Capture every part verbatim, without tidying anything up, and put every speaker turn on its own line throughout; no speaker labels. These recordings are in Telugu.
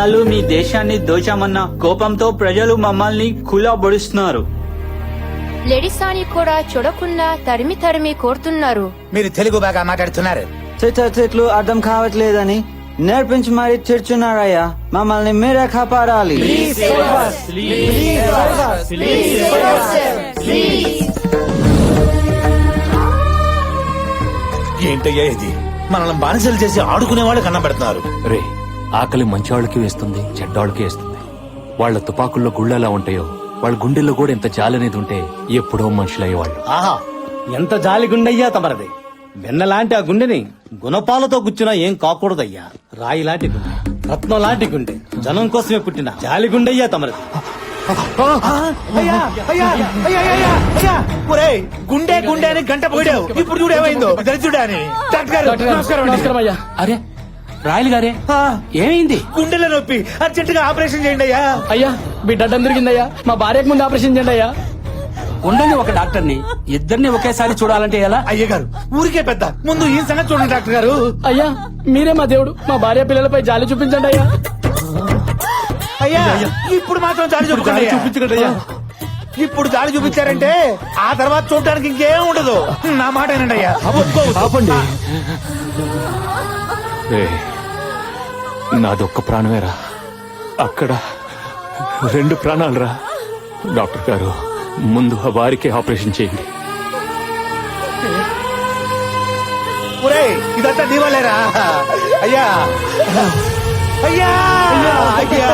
ఇన్నాళ్ళు మీ దేశాన్ని దోచామన్న కోపంతో ప్రజలు మమ్మల్ని కులాబొడుస్తున్నారు.
లేడీస్ అని కూడా చూడకుండా తరిమి తరిమి కోరుతున్నారు.
మీరు తెలుగు బాగా మాట్లాడుతున్నారు.
చెట్లు అర్థం కావట్లేదని నేర్పించి మరి తిడుతున్నారయ్యా. మమ్మల్ని మీరే కాపాడాలి.
ఏంటయ్యా ఇది? మనల్ని బానిసలు చేసి ఆడుకునే వాళ్ళు కన్నబెడుతున్నారు.
రే, ఆకలి మంచివాళ్ళకి వేస్తుంది, చెడ్డాళ్ళకి వేస్తుంది. వాళ్ల తుపాకుల్లో గుళ్ళెలా ఉంటాయో వాళ్ళ గుండెల్లో కూడా ఎంత జాలి అనేది ఉంటే ఎప్పుడో మనుషులయ్యేవాళ్ళు.
ఆహా, ఎంత జాలి గుండెయ్యా తమరది. వెన్నలాంటి ఆ గుండెని గుణపాలతో గుచ్చినా ఏం కాకూడదయ్యా. రాయి లాంటి గుండె, రత్నం లాంటి గుండె, జనం కోసమే పుట్టిన జాలి గుండెయ్యా తమరది.
గుండె గుండె అని గంట పోయావు, ఇప్పుడు చూడు ఏమైందో. దరిద్రుడా అని.
నమస్కారం అయ్యా. అరే రాయలు గారే, ఏమైంది?
గుండెల నొప్పి, అర్జెంట్ గా ఆపరేషన్ చేయండి అయ్యా.
అయ్యా బిడ్డ అడ్డం తిరిగిందయ్యా, మా భార్యకు ముందు ఆపరేషన్ చేయండి అయ్యా.
ఉండని ఒక డాక్టర్ని ఇద్దరిని ఒకేసారి చూడాలంటే ఎలా?
అయ్య గారు ఊరికే పెద్ద, ముందు ఈ సంగతి చూడండి డాక్టర్ గారు.
అయ్యా మీరే మా దేవుడు, మా భార్య పిల్లలపై జాలి చూపించండి అయ్యా.
అయ్యా ఇప్పుడు మాత్రం జాలి చూపించండి, చూపించకండి అయ్యా. ఇప్పుడు జాలి చూపించారంటే ఆ తర్వాత చూడటానికి ఇంకేం ఉండదు. నా మాట ఏనండి అయ్యా.
ఆపండి. నాదొక్క ప్రాణమేరా, అక్కడ రెండు ప్రాణాలరా. డాక్టర్ గారు ముందు ఆ వారికి ఆపరేషన్ చేయండి.
ఇదంతా దీవాలేరా అయ్యా. అయ్యా అయ్యా.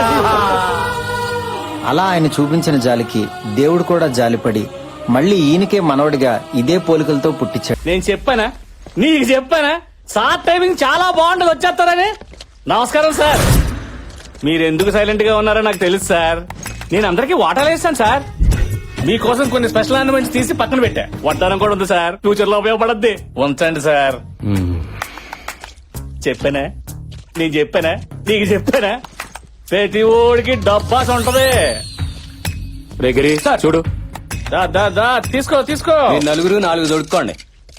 అలా ఆయన చూపించిన జాలికి దేవుడు కూడా జాలిపడి మళ్ళీ ఈయనకే మనవడిగా ఇదే పోలికలతో పుట్టించాడు.
నేను చెప్పానా, నీకు చెప్పానా సార్ టైమింగ్ చాలా బాగుంటది వచ్చేస్తారని. నమస్కారం సార్. మీరెందుకు సైలెంట్ గా ఉన్నారో నాకు తెలుసు సార్. నేను అందరికీ వాటాలు వేస్తాను సార్. మీకోసం కొన్ని స్పెషల్ ఆర్నమెంట్స్ తీసి పక్కన పెట్టా. వడ్డానం కూడా ఉంది సార్, ఫ్యూచర్ లో ఉపయోగపడద్ది. ఉంచండి సార్. చెప్పానా, నేను చెప్పానా, నీకు చెప్పానా? ప్రతి ఓడికి డబ్బాస్ ఉంటది.
రేగిరి చూడు.
దా దా దా తీసుకో తీసుకో.
నలుగురు నాలుగు దొడుక్కోండి.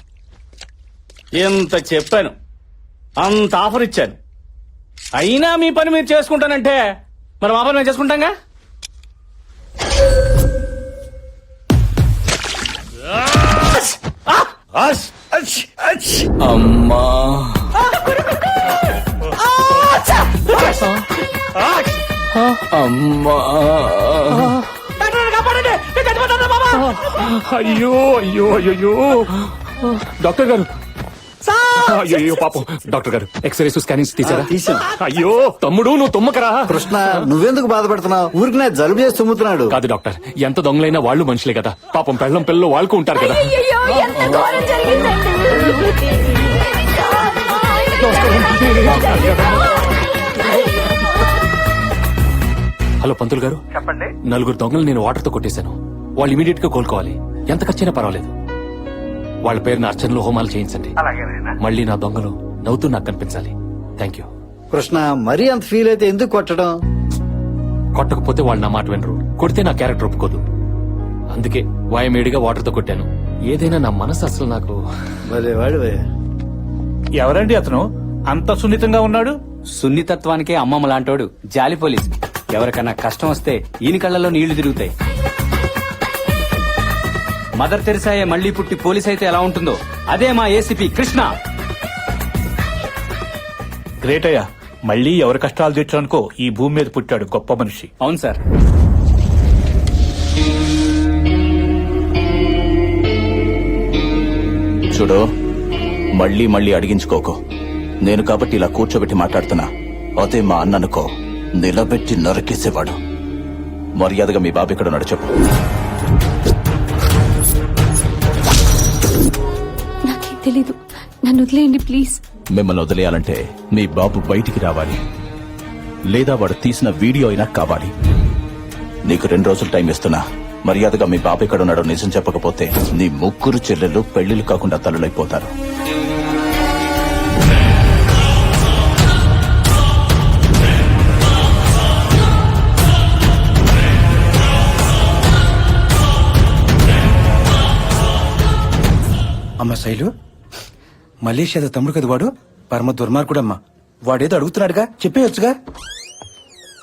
ఎంత చెప్పాను, అంత ఆఫర్ ఇచ్చాను, అయినా మీ పని మీరు చేసుకుంటానంటే మరి మా పని మేము చేసుకుంటాంగా.
అమ్మా అమ్మా
అయ్యో అయ్యో అయ్యో డాక్టర్ గారు, అయ్యో పాపం. డాక్టర్ గారు ఎక్స్రేస్ స్కానింగ్స్ తీసారా? అయ్యో తమ్ముడు నువ్వు తుమ్మకరా.
కృష్ణ నువ్వెందుకు బాధపడుతున్నావు? ఊరికి నా జలుబు చేసి తుమ్ముతున్నాడు.
కాదు డాక్టర్, ఎంత దొంగలైనా వాళ్ళు మనుషులే కదా. పాపం పెళ్ళం పిల్లలు వాళ్ళకు ఉంటారు కదా. హలో పంతులు గారు, చెప్పండి. నలుగురు దొంగలు నేను వాటర్ తో కొట్టేశాను. వాళ్ళు ఇమీడియట్ గా కోలుకోవాలి. ఎంత ఖర్చైనా పర్వాలేదు. వాళ్ళ పేరున అర్చనలు హోమాలు చేయించండి. మళ్ళీ నా దొంగలు నవ్వుతూ నాకు కనిపించాలి. Thank you.
కృష్ణ మరీ అంత ఫీల్ అయితే ఎందుకు కొట్టడం?
కొట్టకపోతే వాళ్ళు నా మాట వినరు, కొడితే నా క్యారెక్టర్ ఒప్పుకోదు. అందుకే వాయమేడిగా వాటర్ తో కొట్టాను. ఏదైనా నా మనసు అసలు నాకు.
ఎవరండి అతను అంత సున్నితంగా ఉన్నాడు?
సున్నితత్వానికే అమ్మమ్మ లాంటోడు జాలి పోలీస్. ఎవరికన్నా కష్టం వస్తే ఈయన కళ్ళలో నీళ్లు తిరుగుతాయి. మదర్ తెరిసాయే మళ్లీ పుట్టి పోలీస్ అయితే ఎలా ఉంటుందో అదే మా ఏసీపీ కృష్ణ.
గ్రేట్ అయ్యా, మళ్ళీ ఎవరి కష్టాలు తీర్చడానికో ఈ భూమి మీద పుట్టాడు గొప్ప మనిషి.
అవును సార్.
చూడు, మళ్ళీ మళ్ళీ అడిగించుకోకు. నేను కాబట్టి ఇలా కూర్చోబెట్టి మాట్లాడుతున్నా. అదే మా అన్ననుకో నిలబెట్టి నరికేసేవాడు. మర్యాదగా మీ బాబు ఇక్కడ ఉన్నాడు చెప్పు.
నాకేం తెలీదు, నన్ను వదిలేయండి ప్లీజ్.
మిమ్మల్ని వదిలేయాలంటే మీ బాబు బయటికి రావాలి, లేదా వాడు తీసిన వీడియో అయినా కావాలి. నీకు రెండు రోజులు టైం ఇస్తున్నా. మర్యాదగా మీ బాబు ఇక్కడ ఉన్నాడో నిజం చెప్పకపోతే నీ ముగ్గురు చెల్లెళ్ళు పెళ్లిళ్ళు కాకుండా తల్లులైపోతారు.
అమ్మ శైలు, మలేషియాలో తమ్ముడు కదా వాడు. పరమ దుర్మార్గుడమ్మా. వాడేదో అడుగుతున్నాడుగా, చెప్పేయొచ్చుగా.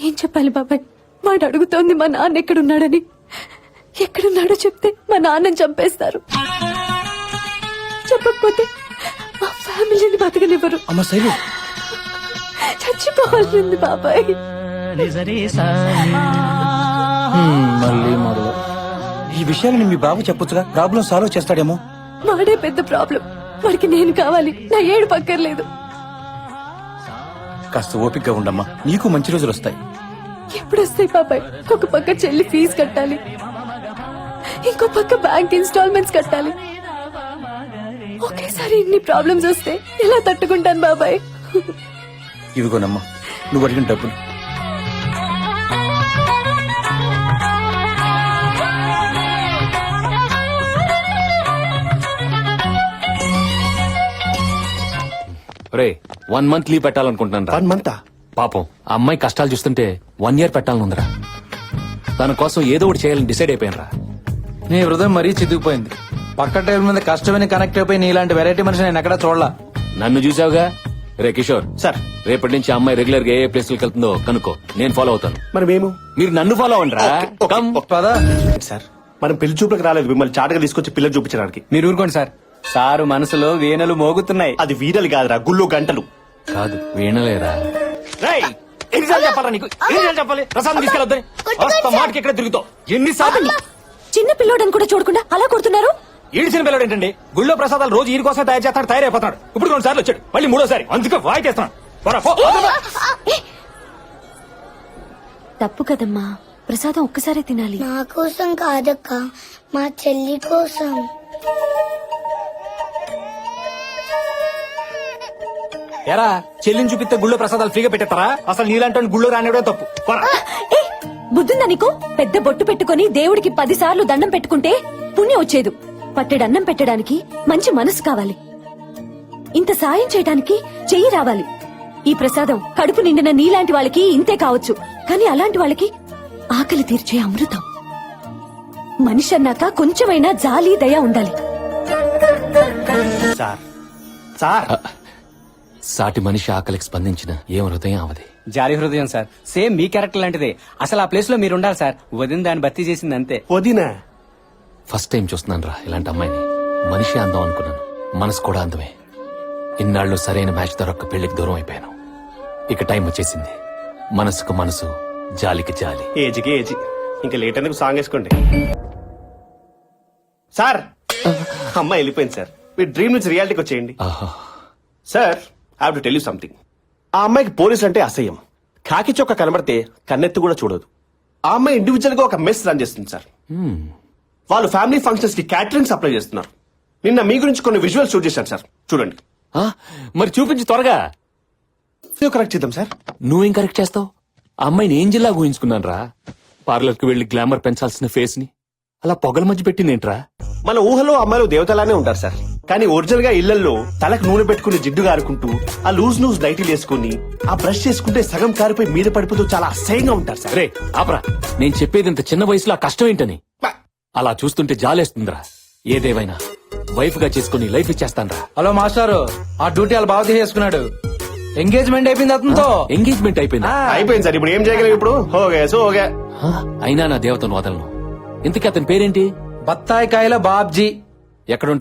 ఏం చెప్పాలి బాబాయ్? వాడు అడుగుతోంది మా నాన్న ఎక్కడున్నాడని. ఎక్కడున్నాడో చెప్తే మా నాన్నని చంపేస్తారు. చెప్పకపోతే మా ఫ్యామిలీని బతకనివ్వరు.
అమ్మ శైలు,
చచ్చిపోవాల్సింది బాబాయ్.
మళ్ళీ మొదలు. ఈ విషయాన్ని మీ బాబు చెప్పొచ్చుగా, ప్రాబ్లం సాల్వ్ చేస్తాడేమో.
వాడే పెద్ద ప్రాబ్లం. వాడికి నేను కావాలి, నా ఏడు పక్కర్లేదు.
కాస్త ఓపికగా ఉండమ్మా, నీకు మంచి రోజులు వస్తాయి.
ఎప్పుడు వస్తాయి బాబాయ్? ఒక పక్క చెల్లి ఫీజు కట్టాలి, ఇంకో పక్క బ్యాంక్ ఇన్స్టాల్మెంట్స్ కట్టాలి. ఒకేసారి ఇన్ని ప్రాబ్లమ్స్ వస్తే ఎలా తట్టుకుంటాను బాబాయ్?
ఇదిగోనమ్మా నువ్వు అడిగిన డబ్బులు.
రే వన్ మంత్ లీవ్ పెట్టాలనుకుంటున్నాను రా.
వన్ మంతా?
పాపం ఆ అమ్మాయి కష్టాలు చూస్తుంటే వన్ ఇయర్ పెట్టాలని ఉందిరా. తన కోసం ఏదో ఒకటి చేయాలని డిసైడ్ అయిపోయాను రా.
నీ హృదయం మరీ చితికిపోయింది. పక్క టైం మీద కష్టమైన కనెక్ట్ అయిపోయి నీలాంటి వెరైటీ మనిషి నేను ఎక్కడా చూడలా.
నన్ను చూసావుగా. రే కిషోర్
సార్,
రేపటి నుంచి ఆ అమ్మాయి రెగ్యులర్ గా ఏ ప్లేస్లకు వెళ్తుందో కనుక్కో, నేను ఫాలో అవుతాను.
మరి మేము
మీరు నన్ను ఫాలో అవ్వండి రా. కమ్.
పదా.
సార్ మనం పెళ్లి చూపులకు రాలేదు, మిమ్మల్ని చాటుగా తీసుకొచ్చి పిల్లలు చూపించడానికి.
మీరు ఊరుకోండి సార్. సారు మనసులో వీణలు మోగుతున్నాయి.
అది వీరలు కాదురా, గుళ్ళు గంటలు.
కాదు వీణలేరా.
రేయ్, ఎన్నిసార్లు చెప్పాలా నీకు? ఎన్నిసార్లు చెప్పాలి ప్రసాదం తీసుకెళ్ళొద్దని? వస్తా మాటకి ఎక్కడ తిరుగుతావు? ఎన్నిసార్లు?
చిన్న పిల్లోడని కూడా చూడకుండా అలా కొడుతున్నారు.
ఈడిచిన పిల్లడు ఏంటండి? గుళ్ళో ప్రసాదాలు రోజు ఈడి కోసం తయారు చేస్తాడు, తయారైపోతున్నాడు. ఇప్పుడు రెండు సార్లు వచ్చాడు, మళ్ళీ మూడోసారి. అందుకే వాయి చేస్తున్నాడు. పోరా, పో.
తప్పు కదమ్మా, ప్రసాదం ఒక్కసారే తినాలి.
నా కోసం కాదక్క, మా చెల్లి కోసం.
ఎరా చెల్లిని చూపిస్తే గుళ్ళో ప్రసాదాలు ఫ్రీగా పెట్టేస్తారా? అసలు నీలాంటి గుళ్ళో రానివడే తప్పు. పోరా.
ఏ, బుద్ధుందా నీకు? పెద్ద బొట్టు పెట్టుకుని దేవుడికి పది సార్లు దండం పెట్టుకుంటే పుణ్యం వచ్చేదు. పట్టెడన్నం పెట్టడానికి మంచి మనసు కావాలి. ఇంత సాయం చేయడానికి చెయ్యి రావాలి. ఈ ప్రసాదం కడుపు నిండిన నీలాంటి వాళ్ళకి ఇంతే కావచ్చు, కానీ అలాంటి వాళ్ళకి ఆకలి తీర్చే అమృతం. మనిషి అన్నాక కొంచెమైనా జాలి దయ ఉండాలి.
సార్ సార్
సాటి మనిషి ఆకలికి స్పందించిన ఏం హృదయం అవది.
జాలి హృదయం సార్. సేమ్ మీ క్యారెక్టర్ లాంటిదే. అసలు ఆ ప్లేస్ లో మీరు ఉండాలి సార్. వదిన దాన్ని భర్తీ చేసింది అంతే.
వదినా
ఫస్ట్ టైం చూస్తున్నాను రా ఇలాంటి అమ్మాయిని. మనిషి అందం అనుకున్నాను, మనసు కూడా అందమే. ఇన్నాళ్ళు సరైన మ్యాచ్ దొరక్క పెళ్లికి దూరం అయిపోయాను. ఇక టైం వచ్చేసింది. మనసుకు మనసు, జాలికి జాలి.
ఏజ్కి ఏజ్. ఇంకా లేట్ ఎందుకు, సాంగ్ వేసుకోండి. సార్ అమ్మాయి వెళ్ళిపోయింది సార్. మీ డ్రీమ్ నుంచి రియాలిటీకి వచ్చేయండి.
ఆహా.
Sir I have to tell you something. ఆ అమ్మాయికి పోలీస్ అంటే అసహ్యం. కాకి చొక్క కనబడితే కన్నెత్తి కూడా చూడదు. ఆ అమ్మాయి ఇండివిజువల్ గా ఒక మెస్ రన్ చేస్తుంది సార్. వాళ్ళు ఫ్యామిలీ ఫంక్షన్స్ కి క్యాటరింగ్ సప్లై చేస్తున్నారు. నిన్న మీ గురించి కొన్ని విజువల్ షూట్ చేశాను సార్, చూడండి.
ఆ, మరి చూపించి త్వరగా.
కరెక్ట్ చేద్దాం సార్.
నువ్వేం కరెక్ట్ చేస్తావు? ఆ అమ్మాయిని ఏం జిల్లా ఊహించుకున్నాను రా. పార్లర్ కి వెళ్లి గ్లామర్ పెంచాల్సిన ఫేస్ ని అలా పొగల మధ్య పెట్టిందేంట్రా?
మన ఊహలో అమ్మాయిలు దేవతలానే ఉంటారు సార్, కానీ ఒరిజినల్ గా ఇళ్లలో తలకు నూనె పెట్టుకుని జిడ్డు కారుకుంటూ ఆ లూజ్ లూజ్ నైటీలు వేసుకుని ఆ బ్రష్ చేసుకుంటే సగం కారిపోయి మీద పడిపోతూ చాలా అసహ్యంగా ఉంటారు సార్.
రే ఆపరా, నేను చెప్పేది ఇంత చిన్న వయసులో ఆ కష్టం ఏంటని. అలా చూస్తుంటే జాలేస్తుందిరా. ఏదేవైనా వైఫ్ గా చేసుకుని లైఫ్ ఇచ్చేస్తానరా.
హలో మాస్టారు, ఆ డ్యూటీ వాళ్ళు బాగా తీసుకున్నాడు. ఎంగేజ్మెంట్ అయిపోయింది అతనితో.
ఎంగేజ్మెంట్ అయిపోయిందా?
అయిపోయింది సార్. ఇప్పుడు ఏం చేయగలం? ఇప్పుడు ఓకే సో ఓకే.
ఆ, అయినా నా దేవతను వదలను. ఇంతకీ అతని పేరేంటి?
బత్తాయి కాయల బాబ్జీ.
ఎక్కడుంటాడు?